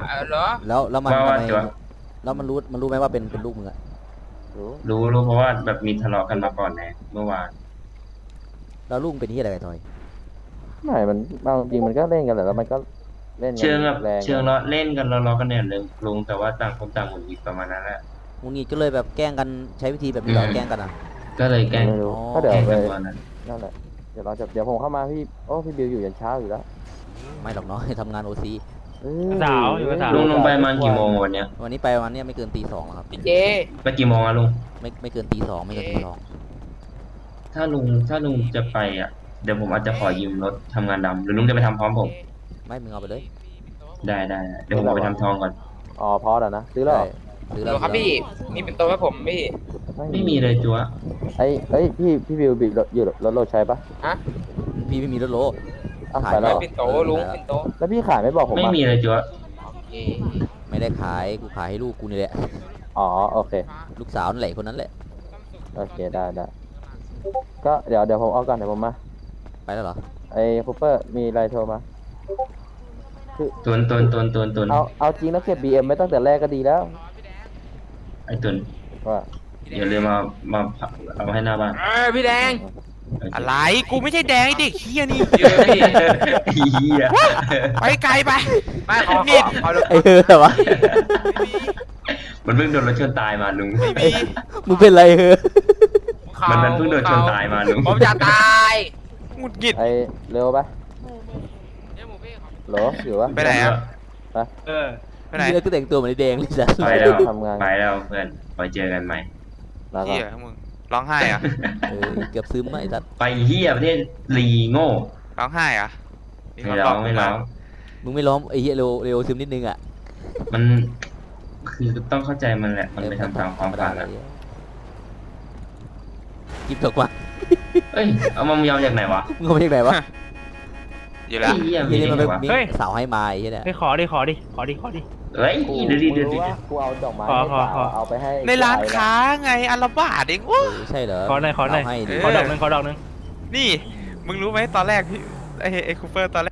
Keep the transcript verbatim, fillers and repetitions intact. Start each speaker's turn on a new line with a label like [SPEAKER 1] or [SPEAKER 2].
[SPEAKER 1] เหรอ
[SPEAKER 2] แล้วแล้วมันทำ
[SPEAKER 3] ว่าว่า
[SPEAKER 2] ไม
[SPEAKER 3] ตัว
[SPEAKER 2] แล้วมันรู้มันรู้ไหมว่าเป็นเป็นลูกมึงอะ
[SPEAKER 4] รู้
[SPEAKER 3] รู้รู้เพราะว่าแบบมีทะเลาะกันมาก่อนไงเมื่อวาน
[SPEAKER 2] แล้วลูกมึงเป็นที่อะไรกันทอย
[SPEAKER 4] ไม่มันบางจริงมันก็เล่นกันแหละแล้วมันก็เล่นกัน
[SPEAKER 3] เชิงแบบ
[SPEAKER 4] แรงไง
[SPEAKER 3] เชิงล้อเล่นกันล้อๆกันเนี่ยเลยลุงแต่ว่าต่างคนต่างหงุดหงิดประมาณนั้นแหละ
[SPEAKER 2] มึงนี่ก็เลยแบบแกล้งกันใช้วิธีแบบนี้เหรอแกล้งกันอ่ะ
[SPEAKER 3] ก็เลยแกล้ง
[SPEAKER 4] ไม่รู้
[SPEAKER 2] อ๋อ
[SPEAKER 4] ก็เดี๋ยว
[SPEAKER 3] แกล้ง
[SPEAKER 4] ไป
[SPEAKER 3] กันตอนนั้น
[SPEAKER 4] นั่นแหละเดี๋ยวเราจะเดี๋ยวผมเข้ามาพี่โอ้พี่บิวอยู่ยันเช้าอยู่แล้ว
[SPEAKER 2] ไม่หรอกเนาะ ทำงานโอซี
[SPEAKER 4] เออ
[SPEAKER 5] สาวอยู่กับสาว
[SPEAKER 3] ลุงลงไปประมาณกี่โมงวันเนี้ย
[SPEAKER 2] วันนี้ไปวันเนี้ยไม่เกินตีสองแล้วครับ
[SPEAKER 1] พี่เจ
[SPEAKER 3] ไปกี่โมงอะลุง
[SPEAKER 2] ไม่ไม่เกินตีสองไม่เกินตีสอง
[SPEAKER 3] ถ้าลุงถ้าลุงจะไปอ่ะเดี๋ยวผมอาจจะขอยืมรถทำงานดำหรือลุงจะไปทำพร้อมผม
[SPEAKER 2] ไม่มึงเอาไปเลย
[SPEAKER 3] ได้ได้ได้เดี๋ยวผมเอาไปทำทองก่อน
[SPEAKER 4] อ๋อพอแล้วนะซื้อแล้วเหรอ
[SPEAKER 2] ซื้อ
[SPEAKER 1] เห
[SPEAKER 2] แล้
[SPEAKER 1] ร
[SPEAKER 2] ว
[SPEAKER 1] อครับพี่มีเป็นตัวให้ผมพี่
[SPEAKER 3] ไม่มีเลยจัว
[SPEAKER 4] ไอ้เอ้ยพี่พี่บิวบิวอยู่รถโรถใช้ปะ
[SPEAKER 1] ฮะ
[SPEAKER 2] พี่ไม่มีรถโล
[SPEAKER 4] อ้าว
[SPEAKER 2] ขาย
[SPEAKER 4] ไปแล้ว
[SPEAKER 2] หรอ
[SPEAKER 1] เป็นโตลุงเป็นโต
[SPEAKER 4] แล้วพี่ขายไม่บอกผม
[SPEAKER 3] ไม่
[SPEAKER 4] อ่ะ
[SPEAKER 3] มีเลยจัว
[SPEAKER 1] โอเค
[SPEAKER 2] ไม่ได้ขายกูขายให้ลูกกูนี่แหละ
[SPEAKER 4] อ๋อโอเค
[SPEAKER 2] ลูกสาวนั่นแหละคนนั้นแหละ
[SPEAKER 4] โอเคได้ได้ก็เดี๋ยวเดี๋ยวผมเอาก่อนเดี๋ยวผมมา
[SPEAKER 2] ไปแล้วเหรอ
[SPEAKER 4] ไอ้คูเปอร์มีอะไรโทรมาคือ
[SPEAKER 3] ตุนตุนตุนตุนตุน
[SPEAKER 4] เอาเอาจริงแล้วเก็บ บี เอ็ม ไว้ตั้งแต่แรกก็ดีแล้ว
[SPEAKER 3] ไอ้ตุน
[SPEAKER 4] ว่า
[SPEAKER 3] อย่าลืมมามาเอาให้หน้าบ้าน
[SPEAKER 1] เออพี่แดง
[SPEAKER 6] อะไรกูไม่ใช่แดงไอ้เด็กเฮียนี่
[SPEAKER 1] เยอะพี่
[SPEAKER 3] ไอ้เหี้ย
[SPEAKER 6] ไปไกลไป
[SPEAKER 1] ไม่ขอขอขอรถ
[SPEAKER 2] ไอ้เฮ้ยแต่ว่า
[SPEAKER 3] มันเพิ่งโดนรถชนตายมาลุง
[SPEAKER 6] ไม่มี
[SPEAKER 2] มึงเป็นไรเฮ้ย
[SPEAKER 3] มันมันเพิ่งโดนชนตายมาลุง
[SPEAKER 1] ผมจะตาย
[SPEAKER 6] หงุดหงิด
[SPEAKER 4] ไอ้เร็วปะ
[SPEAKER 1] เดี๋ยวหมูพี่ขอ
[SPEAKER 4] โหลอยู่วะ
[SPEAKER 6] ไปไหนอ่ะ
[SPEAKER 5] เออ
[SPEAKER 6] ไปไหน
[SPEAKER 2] นี่ก็แต่งตัวเหมือนไอ้แดงเลยจ้ะ
[SPEAKER 3] ไปแล้ว
[SPEAKER 4] ทำงาน
[SPEAKER 3] ไปแล้วเพื่อนไว้เจอกันใหม่
[SPEAKER 4] ลาก่อ
[SPEAKER 6] เฮี
[SPEAKER 4] น
[SPEAKER 6] ยมึงร้องไห้อ่ะ
[SPEAKER 2] เออเกือบซึมอะไอ้สัตว์
[SPEAKER 3] ไปเฮียประเทศลีโง่
[SPEAKER 6] ร้องไห้อ่ะ
[SPEAKER 3] ไม่ร้องไม่ร้อง
[SPEAKER 2] มึงไม่ร้องไอ้เหี้ยเร็วเร็วซึมนิดนึงอ่ะ
[SPEAKER 3] มันคือต้องเข้าใจมันแหละ มันไปทำตามความฝัน
[SPEAKER 2] เล
[SPEAKER 3] อะ
[SPEAKER 2] ยกิฟตกมา
[SPEAKER 3] เอ้ย เอามามยอมจากไหนวะ
[SPEAKER 2] มึงเอามาจากไหนวะ
[SPEAKER 6] อยู่แล้ว
[SPEAKER 3] ไอ้เฮีย
[SPEAKER 2] เฮี
[SPEAKER 3] มี
[SPEAKER 2] ย
[SPEAKER 3] ได้
[SPEAKER 2] นี่มัน
[SPEAKER 3] ไง
[SPEAKER 2] เป็น
[SPEAKER 3] วะ
[SPEAKER 2] มี
[SPEAKER 5] เฮ้ย
[SPEAKER 2] สาวให้มาไอ้เฮียเนี่ย
[SPEAKER 5] ให้ขอดิขอดิขอดิขอดิ
[SPEAKER 3] เฮ้ย
[SPEAKER 4] กู
[SPEAKER 3] เดี๋ยวดิ
[SPEAKER 4] กู
[SPEAKER 3] เดี๋ยว
[SPEAKER 4] รู้
[SPEAKER 3] ดิ
[SPEAKER 4] ว่ากูเอาดอกไม้
[SPEAKER 5] ขอ
[SPEAKER 4] ให้
[SPEAKER 5] ขอ
[SPEAKER 4] สาว
[SPEAKER 5] ขอ
[SPEAKER 4] เอาไปให้
[SPEAKER 6] ในร้าน
[SPEAKER 4] ไอ้
[SPEAKER 6] ค้าไงอันละบาทเอง
[SPEAKER 2] เอ
[SPEAKER 6] โอ้
[SPEAKER 2] อใช่เหรอ
[SPEAKER 5] ขอหน่อยขอหน่อย
[SPEAKER 2] สาวให้ดิ
[SPEAKER 5] ขอดอกหนึงขอดอกหนึง
[SPEAKER 6] นี่มึงรู้ไหมตอนแรกพี่ไอ้ไอ้คูเปอร์ตอนแรก